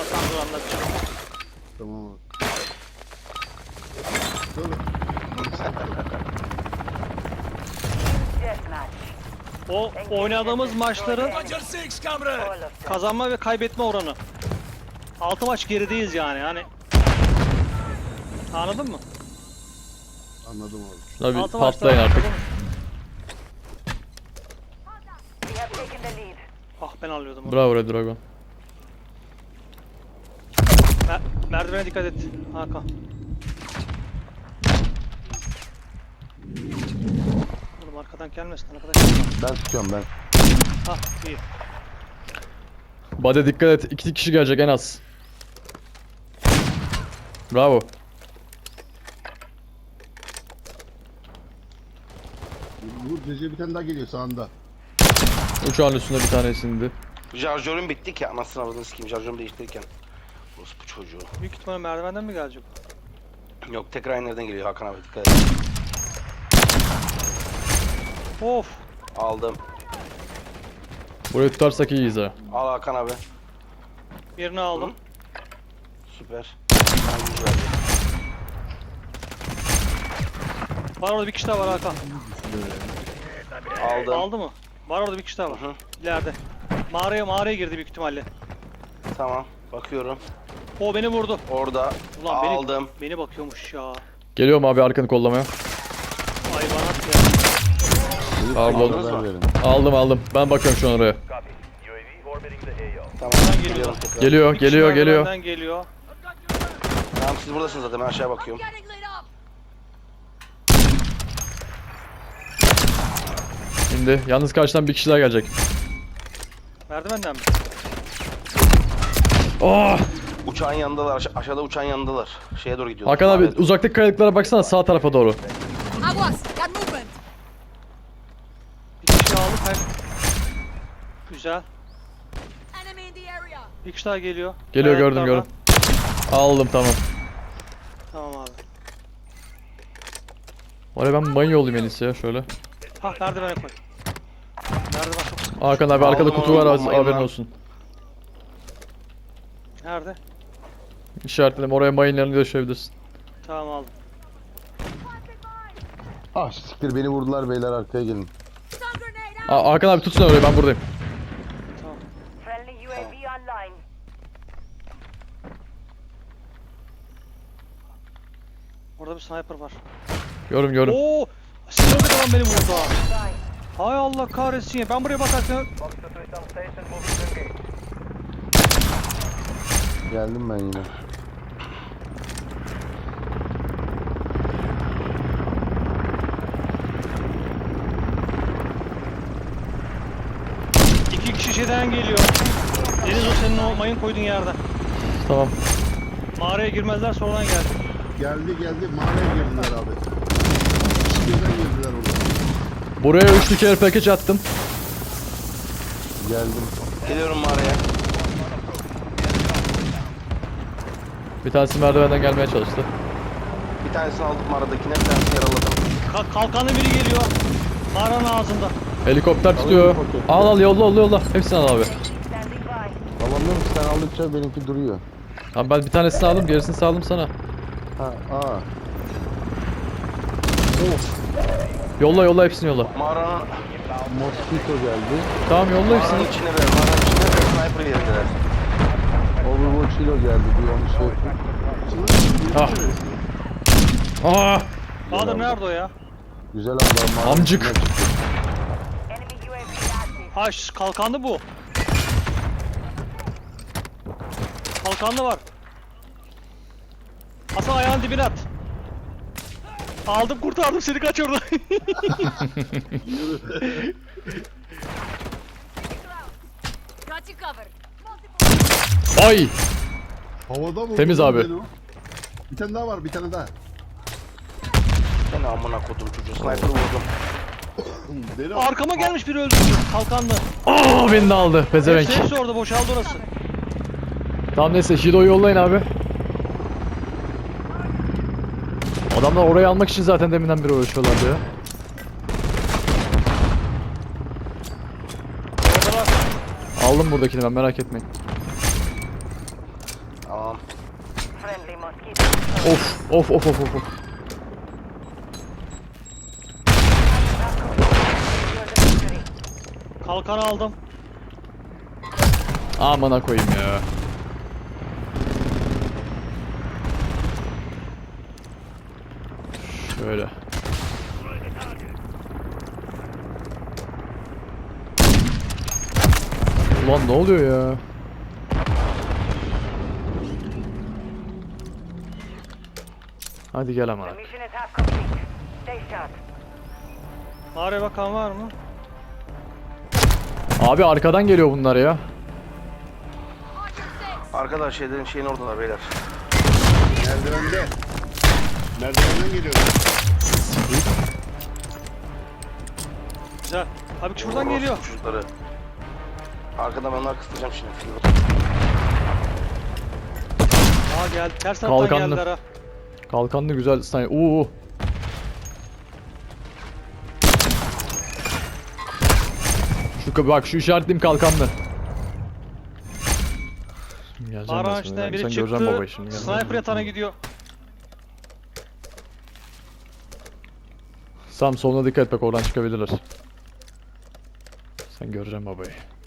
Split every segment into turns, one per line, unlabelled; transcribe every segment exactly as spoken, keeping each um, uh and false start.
Hasan dur anlatacağım.
Tamam abi. Dur.
O oynadığımız maçların kazanma ve kaybetme oranı. altı maç gerideyiz yani hani. Anladın mı?
Anladım abi.
Şuna bir
Altı
patlayın
maçta-
artık.
Ah ben alıyordum onu.
Bravo Red Dragon.
Mer merdivene dikkat et Hakan. Oğlum arkadan gelmesin arkadaş.
Ben tutuyorum ben.
Hah iyi.
Bade dikkat et. İki kişi gelecek en az. Bravo.
Bu Recep bir tane daha geliyor sağında.
Uçağın üstünde bir tanesi indi.
Şarjörüm bitti ki anasını avradını sikeyim şarjörümü değiştirirken. Orası bu çocuğu.
Büyük ihtimalle merdivenden mi gelecek?
Yok tekrar aynı yerden geliyor Hakan abi dikkat et.
Of.
Aldım.
Burayı tutarsak iyiyiz ha.
Al Hakan abi.
Birini aldım.
Hı? Süper. Bana yüz verdi.
Var orada bir kişi daha var Hakan.
Aldım.
Aldı mı? Var orada bir kişi daha var.
Hı hı.
İleride. Mağaraya mağaraya girdi büyük ihtimalle.
Tamam. Bakıyorum.
O beni vurdu.
Orada.
Ulan
Aldım.
beni beni bakıyormuş ya.
Geliyorum abi arkanı kollamaya.
Hayvanat ya.
Pardon.
Aldınız mı?
Verin.
Aldım aldım. Ben bakıyorum şu an oraya.
Tamam.
Buradan geliyor.
Geliyorum tekrar.
Geliyor
Bir kişi
geliyor geliyor.
merdivenden geliyor.
Tamam siz buradasınız zaten ben aşağıya bakıyorum.
Getting lit up.
İndi. Yalnız karşıdan bir kişi daha gelecek.
Merdivenden mi?
Oh!
Uçağın yanındalar. Aşa- aşağıda uçağın yanındalar. Şeye doğru gidiyorlar.
Hakan abi
Mağaraya doğru.
uzaktaki kayalıklara baksana sağ tarafa doğru.
Aguas, got movement.
Bir kişi aldı kay. Güzel.
Enemy in the area.
Bir kişi daha geliyor.
Geliyor gördüm
Kayalıklardan.
gördüm. Aldım tamam.
Tamam abi.
Oraya ben mayın yollayayım en iyisi ya şöyle.
Hah merdivene koy. Merdiven çok sıkı.
Hakan abi arkada
Aldım,
kutu var
aldım,
az-
mayın
haberin
var.
olsun.
Nerede?
İşaretledim oraya mayınlarını döşeyebilirsin.
Tamam aldım.
Ah siktir beni vurdular beyler arkaya gelin.
Stun grenade out.
Aa, Hakan abi tut sen orayı ben buradayım.
Tamam.
Friendly U A V online.
Orada bir sniper var.
Gördüm gördüm.
Oo! Silahlı adam beni vurdu ha. Hay Allah kahretsin ya. Ben buraya bakarken
Geldim ben yine.
iki kişi şeyden geliyor. Deniz o senin o mayın koyduğun yerden.
Tamam.
Mağaraya girmezler sonradan geldi.
Geldi geldi mağaraya girdiler abi. Birden girdiler orada.
Buraya üçlü kere package attım.
Geldim.
Geliyorum mağaraya.
Bir tanesi merdivenden gelmeye çalıştı.
Bir tanesini aldım mağaradakine, bir tanesini yaraladım.
Ka- kalkanlı biri geliyor. Mağaranın ağzında.
Helikopter tutuyor. Al al yolla yolla yolla. Hepsini al abi.
Standing by.
Alamıyorum ki sen aldıkça benimki duruyor.
Abi ben bir tanesini aldım gerisini sağladım sana.
Ha aa.
Yolla yolla hepsini yolla.
Mağaranın,
Mosquito geldi.
Tamam yolla
mağaranın
hepsini.
içine ver, mağaranın içine ver, sniper yerdiler.
Overwatch Hilo geldi bir onu şey yapayım.
Ah. Aa!
Bahadır nerede o ya?
Güzel abla mağara
Amcık.
içinden çıktı.
Enemy U A V active.
Ha şu kalkanlı bu. Kalkanlı var. Hasan ayağın dibine at. Aldım kurtardım seni kaç orada.
Got you covered.
Ay!
Havada mı?
Temiz abi.
Bir tane daha var bir tane daha.
Seni amına kodum çocuğu, sniper vurdum.
Deri
Arkama gelmiş biri öldürdü. Kalkanlı.
Aa beni de aldı pezevenk.
Hepsi, hepsi orada boşaldı orası.
Tamam neyse Hido'yu yollayın abi. Adamlar orayı almak için zaten deminden beri uğraşıyorlardı ya.
Orada var.
Aldım buradakini ben merak etmeyin.
Tamam.
Friendly mosquito.
Of of of of of. of.
Secure the victory.
Kalkanı aldım.
Amına koyayım ya. Şöyle. Ulan ne oluyor ya? Hadi gel ama.
The mission is half complete. Stay sharp.
Mağaraya bakan var mı?
Abi arkadan geliyor bunlar ya.
On your six.
Arkadaşlar şeylerin şeyin oradalar beyler.
Merdivende. Merdivenden geliyor.
Güzel. Abi şuradan
Orospu
geliyor.
Çocukları. Arkadan ben onları kıstıracağım şimdi.
Aa geldi. Ters taraftan
Kalkanlı.
geldiler ha.
Kalkanlı güzel sniper. Uuu. Şu bak şu işaretliyim kalkanlı. Şimdi geleceğim ben
Mağaranın
sana.
içinden
Sen
biri
göreceğim
çıktı.
babayı şimdi. geleceğim.
Sniper yatağına gidiyor.
Sam soluna dikkat et bak oradan çıkabilirler. Sen göreceğim babayı.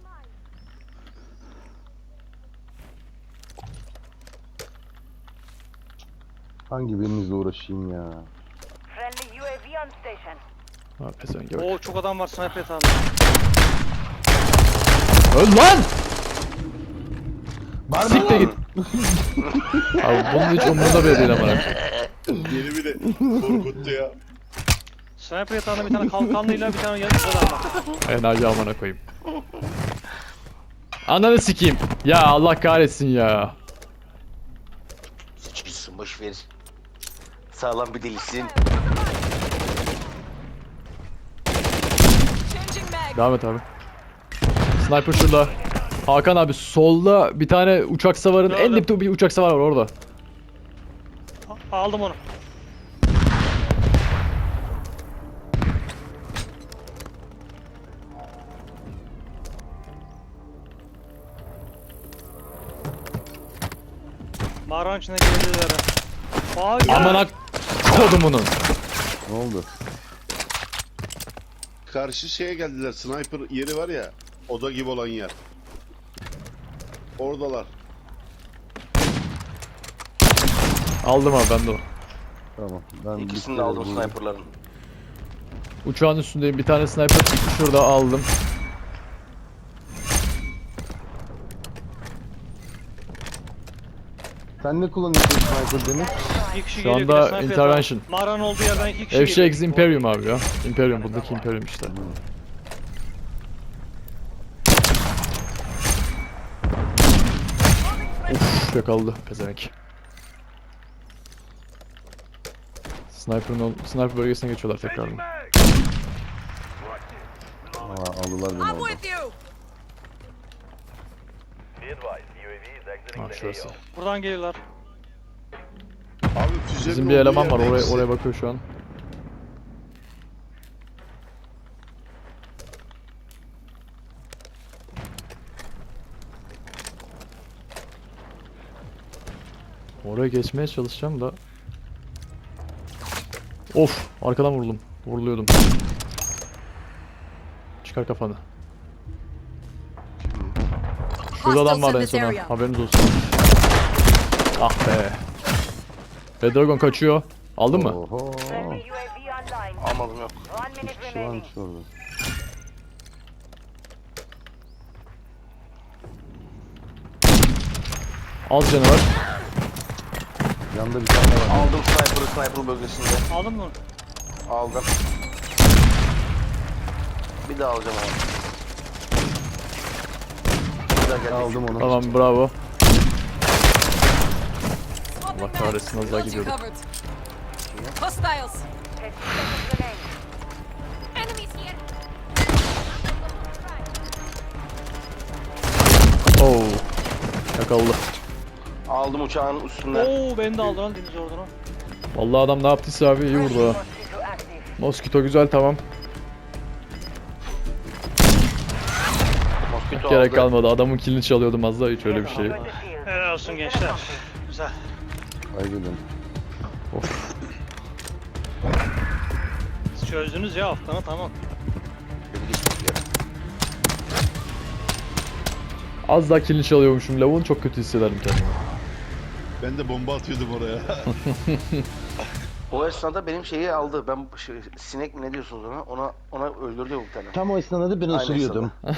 Hangi birinizle uğraşayım ya?
Friendly U A V on station.
Ha pezevenk bak.
Oo çok adam var sniper yatağında.
Öl lan! Siktir git. Abi bunun hiç umurunda bile değil amına.
Beni bile korkuttu ya.
Sniper yatağında bir tane kalkanlıyla bir tane yanıcı adam var.
Enayi amına koyayım. Ananı sikeyim. Ya Allah kahretsin ya.
Sıçmışsın boş ver. Sağlam bir delisin.
Changing mag.
Devam et abi. Sniper şurada. Hakan abi solda bir tane uçak savarın en
Gördüm.
dipte bir uçak savar var orada.
A- Aldım onu. Mağaranın içine girdiler ha. Aa gel.
Amına kodumunun.
Ne oldu?
Karşı şeye geldiler. Sniper yeri var ya. Oda gibi olan yer. Oradalar.
Aldım abi ben de o.
Tamam. Ben
İkisini
bir
de
kere
aldım
buldum.
sniperların.
Uçağın üstündeyim bir tane sniper şurada aldım.
Sen ne kullanıyorsun sniper Deniz?
İki kişi
Şu
geliyor,
anda
bir de sniper
intervention.
yatağı. Mağaranın olduğu yerden iki kişi
F X
geliyor.
Imperium abi ya. Imperium buradaki Imperium işte. Uf yakaladı pezevenk. Sniper'ın ol- sniper bölgesine geçiyorlar tekrardan.
Aa, aldılar beni
I'm
orada.
with you.
Ha şurası.
Buradan geliyorlar.
Abi füzenin
Bizim bir
olduğu
eleman var
yerde
oraya
ikisi.
oraya bakıyor şu an. Oraya geçmeye çalışacağım da. Of, arkadan vuruldum. Vuruluyordum. Çıkar kafanı. Şurada adam var en
Hostiles in this
sona.
area.
Haberiniz olsun. Ah be. Red Dragon kaçıyor. Aldın mı?
Oho.
Friendly U A V online.
Almadım yok.
One minute
Üç kişi
remaining.
varmış orada.
Az canı var.
Yanında bir tane var.
Aldım sniper'ı sniper bölgesinde.
Aldın mı?
Aldım. Bir daha alacağım ama. Bir daha geldi.
Aldım onu.
Tamam bravo.
Swapping
Allah kahretsin, az daha
Got you
gidiyordum.
covered. Hostiles.
Ten seconds remain.
Enemies here.
Oo. Yakaladı.
Aldım uçağın üstünden.
Oo beni de aldı lan deniz ordunu.
Vallahi adam ne yaptıysa abi iyi vurdu ha.
Mosquito active.
Moskito güzel tamam.
Moskito
Gerek
aldı.
kalmadı. Adamın kilini çalıyordum az daha hiç öyle bir şey.
Going to field.
Helal olsun gençler. Güzel.
Kaybedin.
Siz çözdünüz ya haftanı, tamam.
Beni geçmek yere.
Az daha kilini çalıyormuşum lavuğun, çok kötü hissederim kendimi.
Ben de bomba atıyordum oraya.
O esnada benim şeyi aldı. Ben şey, sinek mi ne diyorsunuz ona? Ona ona öldürdü bir tane.
Tam o esnada ben
Aynı
ısırıyordum.